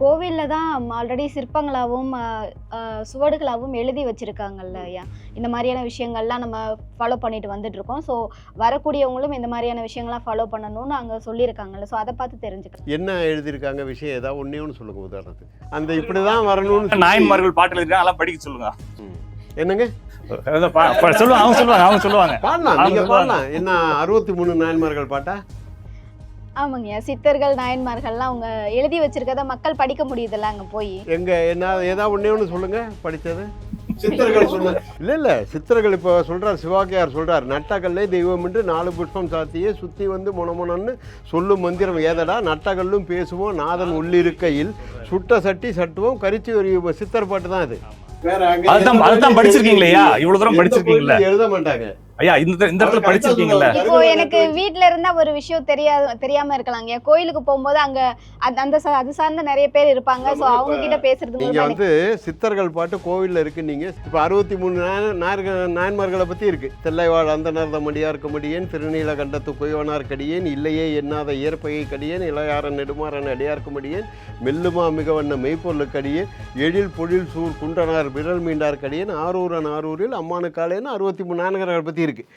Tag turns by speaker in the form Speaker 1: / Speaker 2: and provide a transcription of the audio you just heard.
Speaker 1: கோவில்ல தான் ஆல்ரெடி சிற்பங்களாகவும் சுவடுகளாகவும் எழுதி வச்சிருக்காங்கல்ல ஐயா. இந்த மாதிரியான விஷயங்கள்லாம் நம்ம ஃபாலோ பண்ணிட்டு வந்துட்டு இருக்கோம். ஸோ வரக்கூடியவங்களும் இந்த மாதிரியான விஷயங்கள்லாம் ஃபாலோ பண்ணணும்னு அங்கே சொல்லியிருக்காங்கல்ல. ஸோ அதை பார்த்து தெரிஞ்சுக்கலாம்.
Speaker 2: என்ன எழுதியிருக்காங்க விஷயம் ஏதாவது ஒன்று சொல்லுங்க உதாரணத்துக்கு. அந்த இப்படிதான் வரணும்னு
Speaker 3: நாயன்மார்கள் பாட்டு எழுதிருக்காங்க, அதெல்லாம் படிக்க சொல்லுங்க.
Speaker 2: என்னங்க
Speaker 3: சொல்லுவாங்க, அவங்க சொல்லுவாங்க.
Speaker 2: பாடலாம், நீங்க பாடலாம். என்ன 63 நாயன்மார்கள் பாட்டா?
Speaker 1: ஆமாங்கய்யா, சித்தர்கள் நாயன்மார்கள்லாம் அவங்க எழுதி வச்சிருக்கத மக்கள் படிக்க முடியுதுல்ல அங்கே போய்.
Speaker 2: எங்க என்ன ஏதாவது ஒன்று சொல்லுங்க படித்தது. சித்தர்கள் சொன்ன இல்ல சித்தர்கள் இப்போ சொல்றார், சிவாக்கியார் சொல்றார், நட்டகல்லே தெய்வம் என்று 4 புஷ்பம் சாத்தியே சுத்தி வந்து மொனமொனன்னு சொல்லும் மந்திரம் ஏதடா, நட்டகல்லும் பேசுவோம் நாதன் உள்ளிருக்கையில் சுட்ட சட்டி சட்டுவோம் கரிச்சி ஒரு சித்தர் பாட்டு தான் அது.
Speaker 3: அதுதான் படிச்சிருக்கீங்களா? இவ்வளவு தூரம் படிச்சிருக்கீங்களா?
Speaker 2: எழுத மாட்டாங்க
Speaker 3: ஐயா. இந்த இடத்துல படிச்சிருக்கீங்களா?
Speaker 1: இப்போ எனக்கு வீட்ல இருந்தா ஒரு விஷயம் தெரியாம இருக்கலாங்க. கோயிலுக்கு போகும்போது அங்க அது சார்ந்த நிறைய பேர் இருப்பாங்க. சோ அவங்க கிட்ட பேசுறது
Speaker 2: நீங்க வந்து சித்தர்கள் பாட்டு கோவில்ல இருக்கு. நீங்க இப்ப 63 நாயன்மார்களை பத்தி இருக்கு. தெல்லைவாழ் அந்தனர் மடியார்க்கு முடியேன், திருநீல கண்டத்து குயவனார் கடியேன், இல்லையே எண்ணாத இயற்பகை கடியேன், இளையாரன் நெடுமாறன் அடியார்க்கு முடியேன், மெல்லுமா மிகவண்ண மெய்ப்பொருளுக்கு அடியேன், எழில் பொழில் சூர் குண்டனார் விரல் மீண்டார் கடியேன், ஆரூரன் ஆரூரில் அம்மானு காலேன்னு 63 நாயன்மார்கள் பத்தி இருக்கு.